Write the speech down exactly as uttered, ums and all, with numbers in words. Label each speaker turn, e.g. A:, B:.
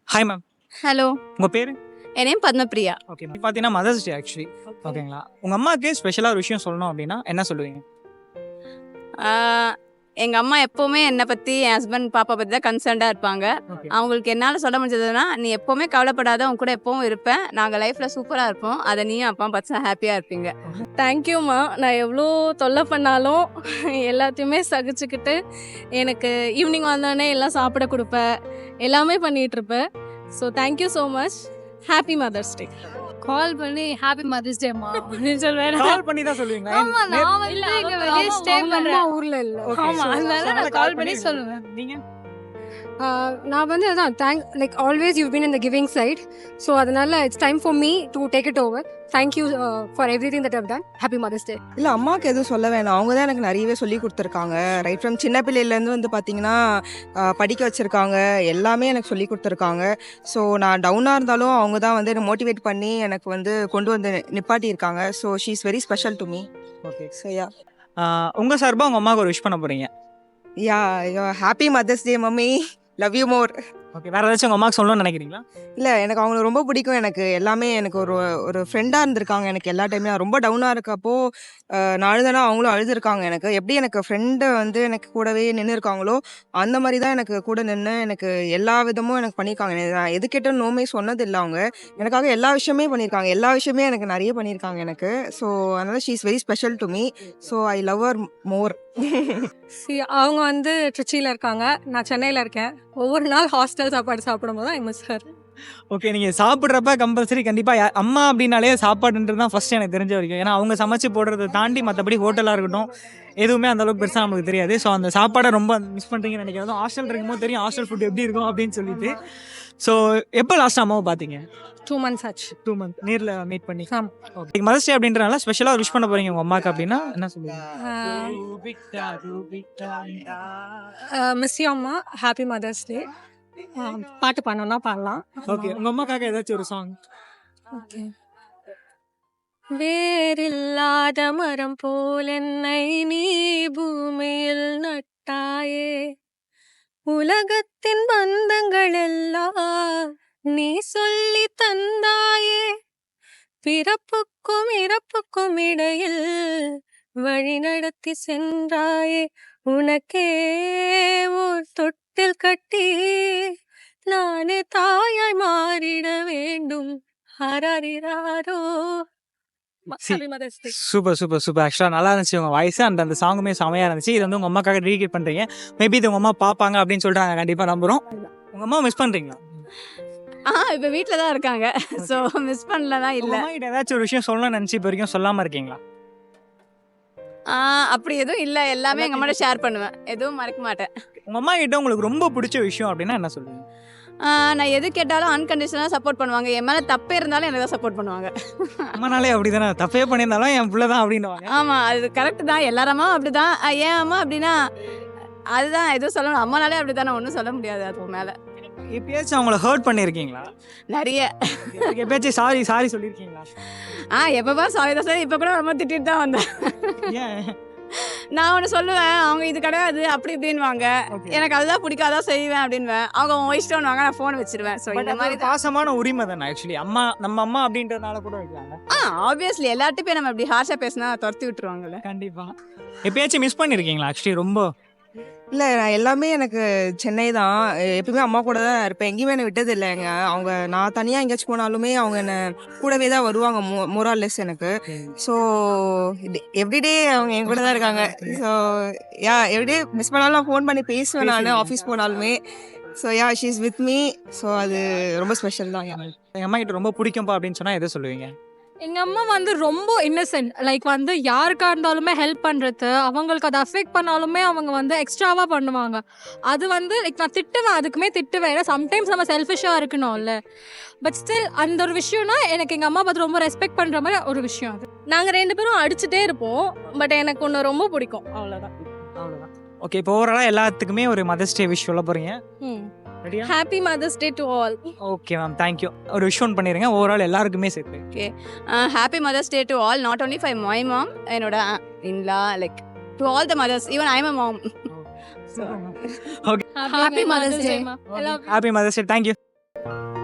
A: Hi ma'am.
B: Hello,
A: உங்கள் பேர்?
B: என் நேம் பத்மபிரியா.
A: Okay ma'am. பார்த்தீங்கன்னா மதர்ஸ் டே ஆக்சுவலி. ஓகேங்களா? உங்கள் அம்மாவுக்கு ஸ்பெஷலாக ஒரு விஷயம் சொல்லணும் அப்படின்னா என்ன சொல்லுவீங்க?
B: எங்கள் அம்மா எப்போவுமே என்னை பற்றி, என் ஹஸ்பண்ட் பாப்பா பற்றி தான் கன்சர்ன்டாக இருப்பாங்க.
A: ஓகே.
B: அவங்களுக்கு என்னால் சொல்ல முடிஞ்சதுன்னா, நீ எப்போவுமே கவலைப்படாத, உன் கூட எப்பவும் இருப்பேன், நாங்கள் லைஃப்பில் சூப்பராக இருப்போம், அதை நீயும் அப்பா பார்த்து ஹாப்பியாக இருப்பீங்க.
C: தேங்க்யூம்மா. நான் எவ்வளோ தொல்லை பண்ணாலும் எல்லாத்தையுமே சகிச்சுக்கிட்டு எனக்கு ஈவினிங் வந்தோடனே எல்லாம் சாப்பிட கொடுப்பேன், எல்லாமே பண்ணிகிட்ருப்பேன். So thank you so much. Happy mother's day.
D: Call பண்ணி ஹாப்பி மதர்ஸ் டேமா அப்படின்னு சொல்வேன்.
A: கால் பண்ணி தான் சொல்லுவீங்களா?
D: ஆமா, நான் வந்து இங்க வெளியே ஸ்டே பண்றேன்.
C: ஊரில் இல்லை.
A: Okay,
D: ஆமா,
A: so-
D: அதனால
A: so
D: நான் கால் பண்ணி சொல்லுவேன்.
A: நீங்க
E: நான் வந்து அதான் thank like always you been in the giving side. So அதனால it's time for me to take it over. Thank you for everything that have done. Happy mother's day.
F: இல்லை, அம்மாவுக்கு எதுவும் சொல்ல வேணாம். அவங்க தான் எனக்கு நிறையவே சொல்லி கொடுத்துருக்காங்க. ரைட் ஃப்ரம் சின்ன பிள்ளையிலேருந்து வந்து பார்த்தீங்கன்னா படிக்க வச்சுருக்காங்க, எல்லாமே எனக்கு சொல்லி கொடுத்துருக்காங்க. ஸோ நான் டவுனாக இருந்தாலும் அவங்க தான் வந்து என்னை மோட்டிவேட் பண்ணி எனக்கு வந்து கொண்டு வந்து நிப்பாட்டியிருக்காங்க. So she is very special to me.
A: Okay.
F: So yeah
A: உங்கள் சார்பாக உங்கள் அம்மாவுக்கு ஒரு விஷ் பண்ண போகிறீங்க.
F: Yeah happy mother's day mummy, love you more.
A: Okay. வேறு ஏதாச்சும் உங்கள் அம்மாவுக்கு சொல்லணும்னு நினைக்கிறீங்களா?
F: இல்லை, எனக்கு அவங்கள ரொம்ப பிடிக்கும். எனக்கு எல்லாமே எனக்கு ஒரு ஒரு ஃப்ரெண்டாக இருந்திருக்காங்க எனக்கு எல்லா டைமே. நான் ரொம்ப டவுனாக இருக்கப்போ அஹ், நான் அழுதனா அவங்களும் அழுதுருக்காங்க எனக்கு. எப்படி எனக்கு ஃப்ரெண்டு வந்து எனக்கு கூடவே நின்று இருக்காங்களோ அந்த மாதிரி தான் எனக்கு கூட நின்று எனக்கு எல்லா விதமும் எனக்கு பண்ணியிருக்காங்க. எனக்கு நான் எது கேட்டாலும் நோமே சொன்னது இல்லை. அவங்க எனக்காக எல்லா விஷயமே பண்ணியிருக்காங்க. எல்லா விஷயமே எனக்கு நிறைய பண்ணியிருக்காங்க எனக்கு. ஸோ அதனால் she is very special to me. So I love her more.
C: சி அவங்க வந்து ட்ரிச்சியில் இருக்காங்க, நான் சென்னையில் இருக்கேன். ஒவ்வொரு நாள் ஹாஸ்டல் சாப்பாடு சாப்பிடும்போது தான் ஐ மிஸ் ஹர்.
A: ஓகே. நீங்கள் சாப்பிட்றப்ப கம்பல்சரி கண்டிப்பாக அம்மா அப்படின்னாலே சாப்பாடுன்றது தான் ஃபஸ்ட்டு எனக்கு தெரிஞ்ச வரைக்கும். ஏன்னா அவங்க சமைச்சு போடுறதை தாண்டி மற்றபடி ஹோட்டலாக இருக்கட்டும் எதுவுமே அந்த அளவுக்கு பெருசாக நமக்கு தெரியாது. ஸோ அந்த சாப்பாடை ரொம்ப மிஸ் பண்ணுறீங்கன்னு நினைக்கிறதும் ஹாஸ்டல் இருக்கும்போது தெரியும் ஹாஸ்டல் ஃபுட் எப்படி இருக்கும் அப்படின்னு சொல்லிட்டு. ஸோ எப்போ லாஸ்ட் அம்மாவை பார்த்தீங்க?
C: டூ மந்த்ஸ் ஆச்சு.
A: டூ மந்த் நேரில் மீட் பண்ணி.
C: ஆமா.
A: ஓகே. மதர்ஸ் டே அப்படின்றனால ஸ்பெஷலாக விஷ் பண்ண போகிறீங்க உங்கள் அம்மாவுக்கு அப்படின்னா என்ன சொல்லுவீங்க?
C: மிஸ் யூ அம்மா, ஹாப்பி மதர்ஸ் டே. பாட்டு பண்ணோன்னா பாடலாம்.
A: ஓகே. உங்கள் அம்மாக்காக ஏதாச்சும் ஒரு சாங்.
C: ஓகே. வேறில்லாத மரம் போல் என்னை நீ பூமியில் நட்டாயே, உலகத்தின் பந்தங்கள் எல்லாம் நீ சொல்லி தந்தாயே, பிறப்புக்கும் இறப்புக்கும் இடையில் வழி நடத்தி சென்றாயே, உனக்கே ஓர் தொட்டில் கட்டி நானே தாயாய் மாறிட வேண்டும். ஹரரிராரோ.
A: See.
C: Happy Mother's Day.
A: Super super super. ஆக்சுவலாக நல்லா இருந்துச்சு உங்கள் வாய்ஸ் அண்ட் அந்த சாங்குமே செமையாக இருந்துச்சு. இது வந்து உங்கள் அம்மாக்காக டெடிகேட் பண்ணுறீங்க. மேபி இது உங்கள் அம்மா பார்ப்பாங்க அப்படின்னு சொல்லிட்டு நாங்கள் கண்டிப்பாக நம்புகிறோம். உங்கள் அம்மா மிஸ் பண்ணுறீங்களா?
B: ஆ இப்போ வீட்டில் தான் இருக்காங்க. ஸோ மிஸ் பண்ணலதான்
A: உங்கள்
B: இல்லை.
A: அம்மா கிட்ட ஏதாச்சும் ஒரு விஷயம் சொல்லணும்னு நினச்சி இப்போ வரைக்கும் சொல்லாமல் இருக்கீங்களா?
B: அப்படி எதுவும் இல்லை, எல்லாமே எங்கள் அம்மாட்ட ஷேர் பண்ணுவேன், எதுவும் மறக்க மாட்டேன்.
A: உங்கள் அம்மா கிட்ட உங்களுக்கு ரொம்ப பிடிச்ச விஷயம் அப்படின்னா என்ன சொல்லுவீங்க?
B: ஆ, நான் எது கேட்டாலும் அன்கண்டிஷனலாக சப்போர்ட் பண்ணுவாங்க. என் மேலே தப்பே இருந்தாலும் எனக்கு தான் சப்போர்ட் பண்ணுவாங்க.
A: அம்மானாலே அப்படி தானே, தப்பே பண்ணியிருந்தாலும் என் பிள்ளை தான் அப்படின்னுவாங்க.
B: ஆமாம், அது கரெக்டு தான். எல்லாரம்மா அப்படி தான். ஏன் அம்மா அப்படின்னா அதுதான் எதுவும் சொல்லணும். அம்மானாலே அப்படி தானே, ஒன்றும் சொல்ல முடியாது அதுக்கு மேலே.
A: எப்பயாச்சும் அவங்கள ஹர்ட் பண்ணியிருக்கீங்களா?
B: நிறைய.
A: எப்பயாச்சும் சாரி சாரி சொல்லியிருக்கீங்களா?
B: ஆ எப்போ பாரு சாரி தான் சார். இப்போ கூட ரொம்ப திட்டிட்டு தான் வந்தேன்.
A: ஏன்?
B: நான் ஒன்று சொல்லுவேன், அவங்க இது கிடையாது அப்படி இப்படின்வாங்க.
A: Okay.
B: எனக்கு அதுதான் பிடிக்காதான் செய்வேன் அப்படின்வேன். அவங்க உன் இஷ்டம்னுவாங்க, நான் ஃபோன் வச்சிருவேன். ஸோ
A: But
B: இந்த
A: அது
B: மாதிரி
A: ஒரு பாசமான உரிமை தானே ஆக்சுவலி. அம்மா நம்ம அம்மா அப்படின்றதுனால கூட இருக்காங்க.
B: ஆ ஆப்வியஸ்லி எல்லார்ட்டையும் போய் நம்ம இப்படி ஹார்ஷாக பேசினா துரத்தி விட்டுருவாங்கல்ல.
A: கண்டிப்பாக. எப்பயாச்சும் மிஸ் பண்ணியிருக்கீங்களா ஆக்சுவலி ரொம்ப?
F: இல்லை, நான் எல்லாமே எனக்கு சென்னை தான். எப்பயுமே அம்மா கூட தான் இருப்பேன். எங்கேயுமே என்னை விட்டது இல்லைங்க. அவங்க நான் தனியாக எங்கேயாச்சும் போனாலுமே அவங்க என்னை கூடவே தான் வருவாங்க. மோ மோரால்லெஸ் எனக்கு. ஸோ எவ்ரிடே அவங்க என் கூட தான் இருக்காங்க. ஸோ யா எவ்ரிடே மிஸ் பண்ணாலும் நான் ஃபோன் பண்ணி பேசுவேன் நான் ஆஃபீஸ் போனாலுமே. So yeah she is with me. So அது ரொம்ப ஸ்பெஷல் தான். யா
A: எங்கள் அம்மா கிட்ட ரொம்ப பிடிக்கும்பா அப்படின்னு சொன்னால் எதை சொல்லுவீங்க?
D: எங்கள் அம்மா வந்து ரொம்ப இன்னசென்ட். லைக் வந்து யாருக்கா இருந்தாலுமே ஹெல்ப் பண்ணுறது, அவங்களுக்கு அதை அஃபெக்ட் பண்ணாலுமே அவங்க வந்து எக்ஸ்ட்ராவாக பண்ணுவாங்க. அது வந்து லைக் நான் திட்டுவேன், அதுக்குமே திட்டுவேன். ஏன்னா சம்டைம்ஸ் நம்ம செல்ஃபிஷாக இருக்கணும்ல. பட் ஸ்டில் அந்த ஒரு விஷயம்னா எனக்கு எங்கள் அம்மா பார்த்து ரொம்ப ரெஸ்பெக்ட் பண்ணுற மாதிரி ஒரு விஷயம் அது.
C: நாங்கள் ரெண்டு பேரும் அடிச்சுட்டே இருப்போம். பட் எனக்கு ஒன்று ரொம்ப பிடிக்கும், அவ்வளோதான்.
A: அவ்வளோதான். ஓகே. இப்போ ஓவராலாக எல்லாத்துக்குமே ஒரு மதர்ஸ் டே விஷ் சொல்ல போகிறீங்க.
C: ம்
A: ரெடியா?
C: Happy mother's day to all.
A: Okay ma'am, thank you. ஒரு விஷ் ஒன் பண்ணிடுங்க ஓவரால் எல்லாருக்குமே சேர்த்து.
B: Okay. Happy mother's day to all, not only for my mom, என்னோட in law, like to all the mothers, even I am a mom.
A: Okay.
D: Happy mother's day.
A: Happy mother's day, thank you. Thank you